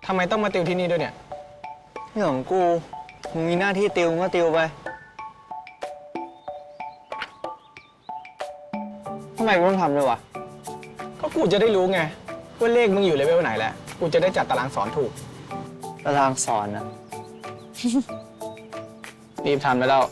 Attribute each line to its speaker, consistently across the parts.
Speaker 1: ทำไมต้องมาติวที่นี่ด้วยเนี่ย
Speaker 2: เรื่องของกูมึงมีหน้าที่ติวมึงก็ติวไปทำไมกูต้องทำด้วยวะ
Speaker 1: ก็กูจะได้รู้ไงว่าเลขมึงอยู่เลเวลไหนแล้วกูจะได้จัดตารางสอนถูก
Speaker 2: ตารางสอนนะ
Speaker 1: รีบทำไปแล้ว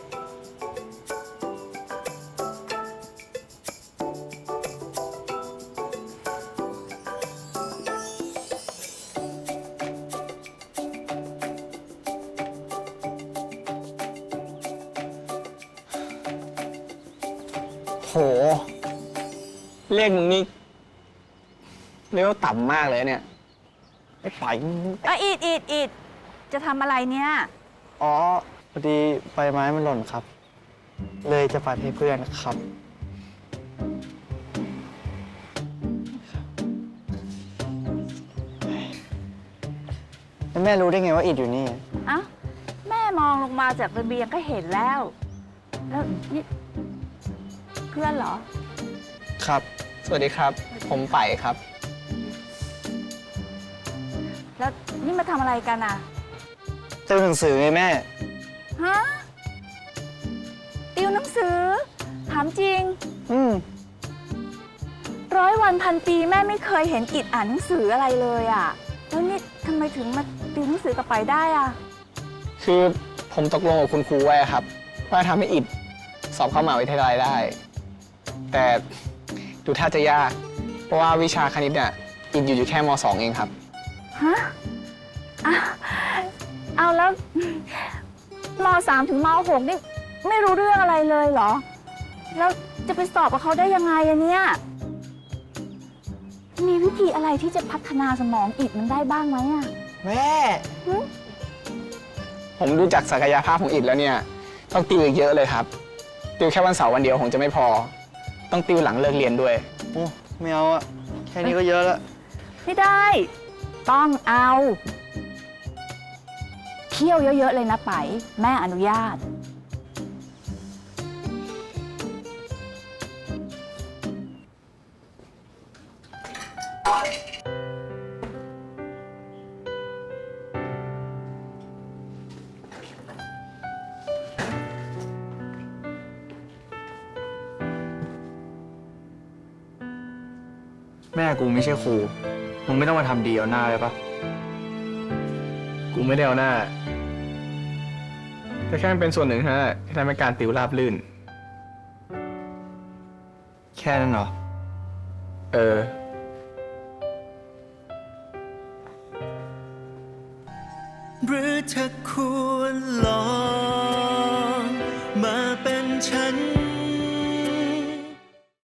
Speaker 1: โหเลขมึงนี่เลเวลต่ำมากเลยเนี่ยไอ้ฝ่าย
Speaker 3: อีดจะทำอะไรเนี่ย
Speaker 2: อ๋อพอดีใบไม้มันหล่นครับ เลยจะปัดให้เพื่อนครับแล้วแม่รู้ได้ไงว่าอิดอยู่นี่
Speaker 3: เอ้าแม่มองลงมาจากระเบียงก็เห็นแล้วแล้วนี่เพื่อนเหรอ
Speaker 1: ครับสวัสดีครับผมไปครับ
Speaker 3: แล้วนี่มาทำอะไรกันอ่ะ
Speaker 2: ติวหนังสือไงแม่
Speaker 3: ฮะติวหนังสือถามจริง100 วันพันปีแม่ไม่เคยเห็นอิดอ่านหนังสืออะไรเลยอ่ะแล้วนี่ทำไมถึงมาติวหนังสือกับไปได้อ่ะ
Speaker 1: คือผมตกลงกับคุณครูไว้ครับว่าทำให้อิดสอบเข้ามหาวิทยาลัยได้แต่ดูท่าจะยากเพราะว่าวิชาคณิตเนี่ยอิดอยู่แค่ม.2 เองครับ
Speaker 3: ฮะเอาแล้วม.3 ถึงม.6 นี่ไม่รู้เรื่องอะไรเลยเหรอแล้วจะไปสอบกับเขาได้ยังไงอะเนี่ยมีวิธีอะไรที่จะพัฒนาสมองอิดมันได้บ้างไหมอะ
Speaker 2: แม่
Speaker 1: ผมดูจากศักยภาพของอิดแล้วเนี่ยต้องติวอีกเยอะเลยครับติวแค่วันเสาร์วันเดียวคงจะไม่พอต้องติวหลังเลิกเรียนด้วย
Speaker 2: โอ้ไม่เอาอะแค่นี้ก็เยอะแล้ว
Speaker 3: ไม่ได้ต้องเอาเที่ยวเยอะๆเลยนะไปแม่อนุญาต
Speaker 2: แม่กูไม่ใช่ครูมึงไม่ต้องมาทำดีเอาหน้าเลยปะ
Speaker 1: กูไม่ได้เอาหน้าแต่แค่เป็นส่วนหนึ่งเท่านั้นที่ทำให้การติวราบรื่น
Speaker 2: แค่นั้นเหรอ
Speaker 4: หรือเธอควรลองมาเป็นฉัน